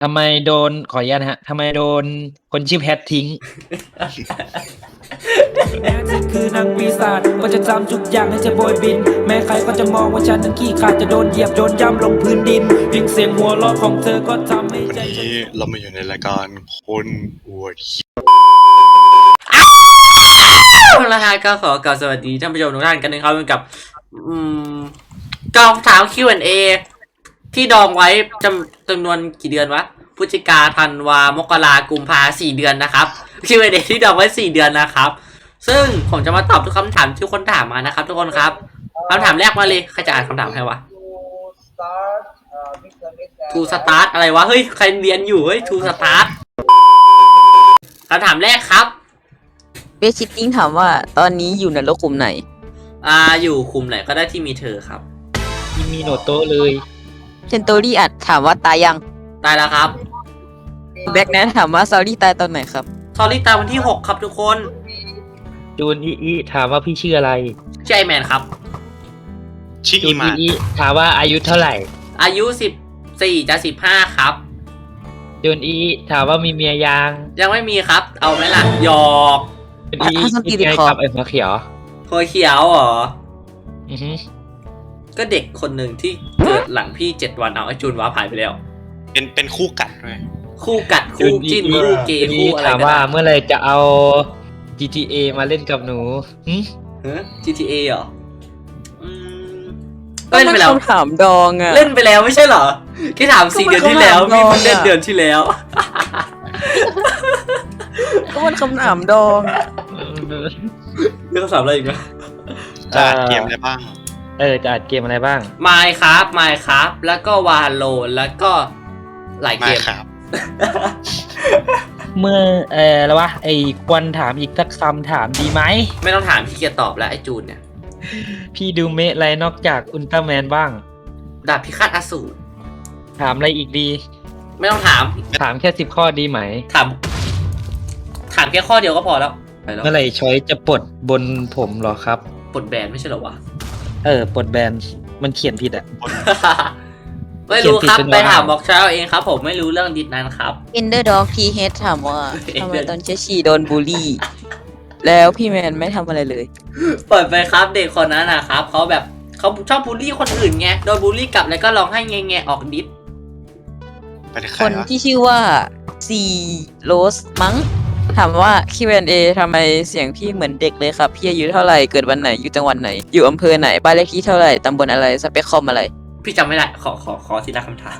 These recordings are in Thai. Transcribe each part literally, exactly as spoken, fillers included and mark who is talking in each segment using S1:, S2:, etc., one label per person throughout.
S1: ทำไมโดนขออนุญาตนะฮะทำไมโดนคนชื่อแพททิ้ง
S2: แม้เธอคือนางปีศาจก็จะจำทุกอย่างให้เธอโบยบินแม้ใครก็จะมองว่าฉันนั้นขี้ขลาดจะโดนเหยียบโดนย่ำลงพื้นดินเพียงเสียงหัวเราะของเธอก็ทำให้
S3: วัน
S2: ใจฉั
S3: นี้
S2: น
S3: เรามาอยู่ในรายการคนอวดขี้
S4: นะฮะก็ขอกล่าวสวัสดีท่านผู้ชมทุกท่านกันนะครับกับอืมกล่องถาม คิว แอนด์ เอ ที่ดองไว้จำจำนวนกี่เดือนวะพฤศจิกาธันวามกรากุมภาสี่เดือนนะครับ คิว แอนด์ เอ ที่ดองไว้สี่เดือนนะครับ ซึ่งผมจะมาตอบทุกคำถามที่คนถามมานะครับ ทุกคนครับคำถามแรกมาเลยใครจะอ่านคำถามให้วะ ทูสตาร์ทอะไรวะเฮ้ยใครเรียนอยู่เฮ้ยทูสตาร์ทคำถามแรกครับ
S5: เบสชิตติ้งถามว่าตอนนี้อยู่ในโลกกลุ่มไหน
S4: อ่าอยู่คุมไหนก็ได้ที่มีเธอครับ
S1: ที่มีโนโต้เลย
S5: เซนโตรี่อัดถามว่าตายยัง
S4: ตายแล้วครับ
S5: แบ็กแนทถามว่าซารี่ตายตอนไหนครับ
S4: ซอรี่ตายวันที่หกครับทุกคน
S1: จูนอีอีถามว่าพี่ชื่ออะไร
S4: ชื่อไอแมนครับ
S3: ชิ
S1: จู
S3: อี
S1: น
S3: มา
S1: อีอีถามว่าอายุเท่าไหร่
S4: อายุสิบสี่จะสิบห้าครับ
S1: จูนอีอีถามว่ามีเมียยัง
S4: ยังไม่มีครับ เอาไหมล่ะหยอก
S1: จูนอีอี
S5: อ่ะสกิ
S1: คิ
S5: ล
S1: ด
S5: ติด
S1: ไง
S5: คอ
S1: กับไอ้หัวเขียว
S4: หัวเขียวเหรอ
S1: อือฮึ
S4: ก็เด็กคนหนึ่งที่เกิดหลังพี่เจ็ดวันเอาไอจูนว้าผ่านไปแล้ว
S3: เป็นเป็นคู่กัดด้วย
S4: คู่กัดคู่จิ้นคู่เกย์คู่อะไร
S1: ถาม
S4: กัน
S1: ว่า
S4: นะ
S1: เมื่อไหรจะเอา จี ที เอ มาเล่นกับหนูหึ
S4: ฮะ จี ที เอ เหรออืมเล่นไปแล้ว
S5: คำถามดองอะ
S4: เล่นไปแล้วไม่ใช่เหรอแค่ถามสี่
S5: ก็
S4: เดื
S5: มั
S4: อน
S5: น
S4: ที่แล้ว
S5: คำถาม
S4: พี่เพิ่ง
S5: ดองอะ
S4: เล่นเดือนที่แล้ว
S5: ก็มันคำถามดอง
S4: เรื่องคำถามอะไรอีกไหม
S3: จะอัดเกมอะไรบ้าง
S1: เออจะอัดเกมอะไรบ้าง
S4: ไมค์ครับไมค์ครับแล้วก็วาโลแล้วก็หลาย
S3: มา
S4: เกม
S3: ครับ
S1: เมื่อเออแล้ววะไอ้ควรถามอีกสักคำถามดีไหม
S4: ไม่ต้องถามพี่เกียร์ตอบแล้วไอ้จูนเนี่ย
S1: พี่ดูเมะอะไรนอกจากอุลตร้าแมนบ้าง
S4: ดาบพิฆาตอสูร
S1: ถามอะไรอีกดี
S4: ไม่ต้องถาม
S1: ถามแค่สิบข้อดีไหม
S4: ถาม ถามแค่ข้อเดียวก็พอแล้วไปแล้ว
S1: เมื่อไหร่ช้อยจะปลดบนผมเหรอครับ
S4: ปลดแบนไม่ใช่เหรอวะ
S1: เออปลดแบนมันเขียนผิดอ่ะ
S4: ไม่รู้ครับ
S1: เขียนผิดเป็น
S4: ไป
S1: ว่า
S4: ถามบอกเช้าเองครับ ผมไม่รู้เรื่องดิดนั้นครับ
S5: เอนเดอร์ด็อกทีเฮดถามว่า
S4: Ender
S5: ทำไมตอนเชสชีโดนบูลลี่ แล้วพี่แมนไม่ทำอะไรเลย
S4: เปิดไปครับเด็กคนนั้นนะครับเขาแบบเขาชอบบูลลี่คนอื่นไงโดนบูลลี่กลับแล้วก็ร้องให้แงๆออกดิส
S3: ไปที่ใค
S5: ค
S3: ร
S5: น
S3: วะ
S5: ที่ชื่อว่าซีโรสมั้งถามว่า คิว แอนด์ เอ ทำไมเสียงพี่เหมือนเด็กเลยครับ พี่อายุเท่าไหร่ เกิดวันไหน อยู่จังหวัดไหน อยู่อำเภอไหน บ้านเลขที่เท่าไหร่ ตำบลอะไร สเปคคอมอะไร
S4: พี่จำไม่ได้ขอขอขอทีละคำถาม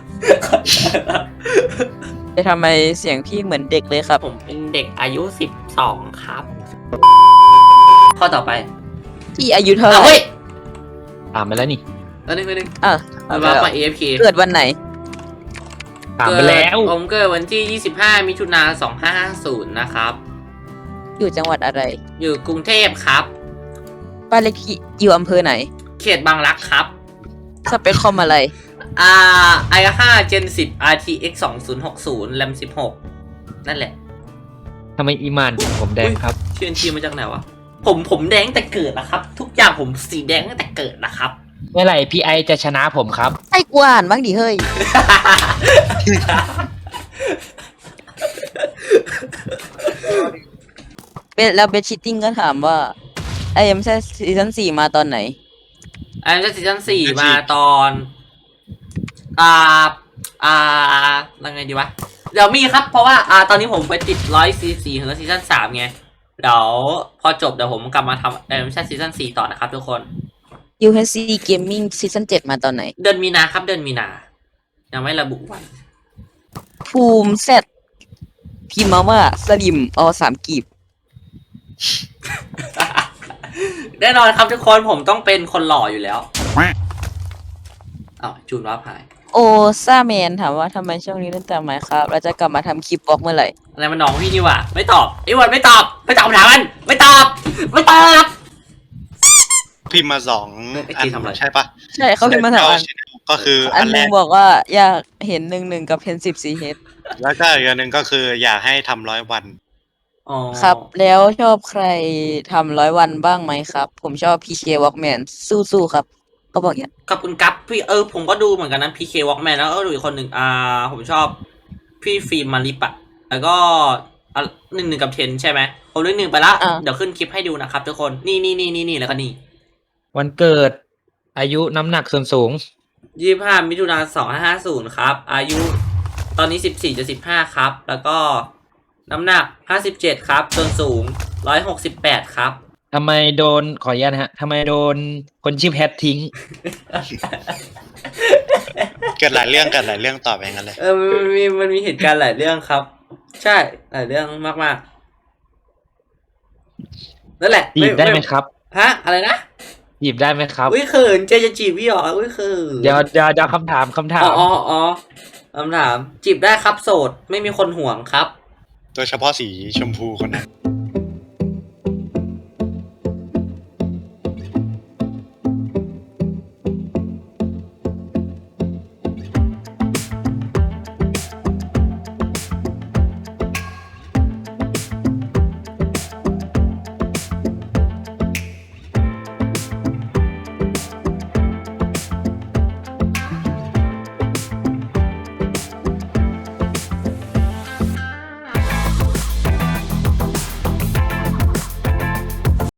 S5: จะทำไมเสียงพี่เหมือนเด็กเลยครับ
S4: ผมเป็นเด็กอายุสิบสองครับ ข้อต่อไป
S5: พี่อายุเท่าไห
S4: เอา
S5: ร่
S4: เฮ้ย
S1: ถามไปแล้วนี่
S4: แล้วนึงนึง
S5: อ่ะ
S4: เอา
S5: เอาไป
S4: มา
S5: แล้ว
S4: ไป เอ เอฟ เค
S5: เกิดวันไหน
S1: ถามไปแล้ว
S4: ผมเกิดวันที่ยี่สิบห้ามิถุนาสองห้าห้าศูนย์นะครับ
S5: อยู่จังหวัดอะไร
S4: อยู่กรุงเทพครับ
S5: บ้านเลขที่อยู่อำเภอไหน
S4: เขตบางรักครับ
S5: สเปคคอมอะไร
S4: อ่า ไอ ห้า Gen สิบ อาร์ ที เอ็กซ์ สองศูนย์หกศูนย์ แรม สิบหก นั่นแหละ
S1: ทำไมอีมานถึงผมแดงครับ
S4: ชื่อทีมาจากไหนวะ ผมผมแดงแต่เกิดนะครับ ทุกอย่างผมสีแดงตั้งแต่เกิดนะครับ
S1: เมื่อไหร่พี่ไอจะชนะผมครับ
S5: ให้กูอ่านบ้างดิเฮ้ย เป็นแล้วเบสชิตติ้งก็ถามว่าไอเอ็มใช่ซีซั่นสี่มาตอนไหน
S4: อันนี้จะซีซั่นสี่มาตอน อ่า อ่ายังไงดีวะ เดี๋ยวมีครับ เพราะว่า อ่า ตอนนี้ผมไปติดร้อยซีซีถึงซีซั่นสามไง เดี๋ยวพอจบเดี๋ยวผมกลับมาทำเออไม่ใช่ซีซั่นสี่ต่อนะครับทุกคน
S5: ยู เอช ซี Gaming ซีซั่นเจ็ดมาตอนไหน
S4: เดือนมีนาครับ เดือนมีนา ยังไม่ระบุวัน
S5: ภูมิเซตพิมพ์มาว่าสลิมอสามกีบ
S4: แน่นอนครับทุกคนผมต้องเป็นคนหล่ออยู่แล้วอ้าวจูนว่าพาย
S5: โอซาแมนถามว่าทำไมช่วงนี้เล่นแต่ไมครับเราจะกลับมาทำคลิปบล็อกเมื่อไหร่
S4: อะไรมันน้องพี่นี่หว่าไม่ตอบไอ้วันไม่ตอบไม่ตอบคำถามมันไม่ตอบไม่ตอบ
S3: พิมพ์มาสอง
S4: ไอ้
S3: อั
S4: จี
S3: น
S4: ทำอะไร
S3: ใช่ปะ
S5: ใช่เขาพิมพ์มาถามอัน
S3: ก็คือ
S5: อั
S3: อั
S5: น
S3: น
S5: ห
S3: แร
S5: นึง
S3: ก
S5: บอกว่าอยากเห็นหนึ่งหนึ่งกับเพนสิบซีเฮด
S3: แล้วก็อีกอันหนึ่งก็คืออยากให้ทำร้อยวัน
S4: อ๋อ
S5: ครับ แล้วชอบใครทำร้อยวันบ้างไหมครับ ผมชอบ พี เค Walkman สู้ๆครับ ก็บอกอย่างนี้
S4: ขอบคุณกั๊บพี่เออผมก็ดูเหมือนกันนะ พี เค Walkman แล้วก็ดูอีกคนหนึ่งอ่าผมชอบพี่ฟิล์มมาริปะแล้วก็หนึ่งหนึ่งกับเทนใช่ไหมผมเลขหนึ่งไปละ
S5: อ่า
S4: เดี๋ยวขึ้นคลิปให้ดูนะครับทุกคนนี่นี่นี่นี่นี่แล้วก็นี่
S1: วันเกิด อายุน้ำหนักส่วนสูง
S4: ยี่สิบห้ามิถุนายนสองห้าห้าศูนย์ครับ อายุตอนนี้สิบสี่จะสิบห้าครับ แล้วก็น้ำหนักห้าสิบเจ็ดครับส่วนสูงร้อยหกสิบแปดครับ
S1: ทำไมโดนขออนุญาตนะฮะทำไมโดนคนชื่อแพททิ้ง
S3: เกิดหลายเรื่องเกิดหลายเรื่องต่อไปงั้นเลย
S4: เออมันมีมันมีเหตุการณ์หลายเรื่องครับ ใช่หลายเรื่องมากๆนั่นแหละ
S1: จีบได้ไหมครับ
S4: ฮะอะไรนะ
S1: จีบได้ไหมครับ
S4: อุ้ยเขินเจจะจีบพี่หรออุ้ยเขิน
S1: เดี๋ยวเดี๋ยวเดี๋ยวคำถามคำถา
S4: อ๋อ
S1: ม
S4: อ๋ออ๋อคำถามจีบได้ครับโสดไม่มีคนห่วงครับ
S3: โดยเฉพาะสีชมพูคนนั้น